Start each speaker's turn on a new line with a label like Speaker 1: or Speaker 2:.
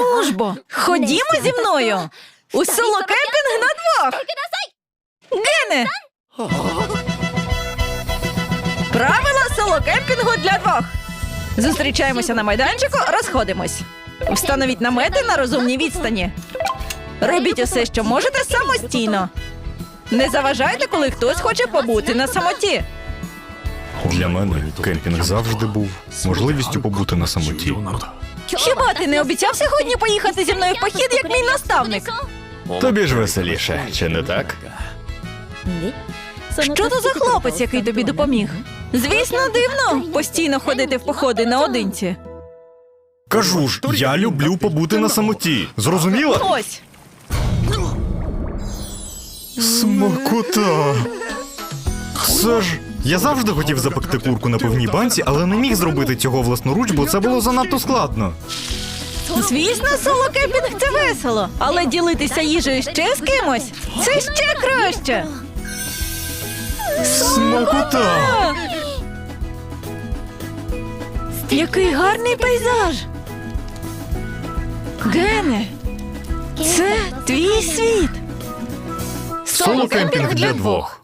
Speaker 1: Ну ж бо, ходімо зі мною! У соло-кемпінг на двох! Гене! Правила соло-кемпінгу для двох! Зустрічаємося на майданчику, розходимось. Встановіть намети на розумній відстані. Робіть усе, що можете, самостійно. Не заважайте, коли хтось хоче побути на самоті.
Speaker 2: Для мене кемпінг завжди був можливістю побути на самоті.
Speaker 1: Хіба ти не обіцяв сьогодні поїхати зі мною в похід, як мій наставник?
Speaker 2: Тобі ж веселіше, чи не так?
Speaker 1: Що то за хлопець, який тобі допоміг? Звісно, дивно постійно ходити в походи наодинці.
Speaker 2: Кажу ж, я люблю побути на самоті. Зрозуміла?
Speaker 1: Ось.
Speaker 2: Смакота. Це ж... Я завжди хотів запекти курку на пивній банці, але не міг зробити цього власноруч, бо це було занадто складно.
Speaker 1: Звісно, соло-кемпінг – це весело. Але ділитися їжею ще з кимось – це ще краще.
Speaker 2: Смакота!
Speaker 1: Який гарний пейзаж. Гене, це твій світ.
Speaker 2: Соло-кемпінг для двох.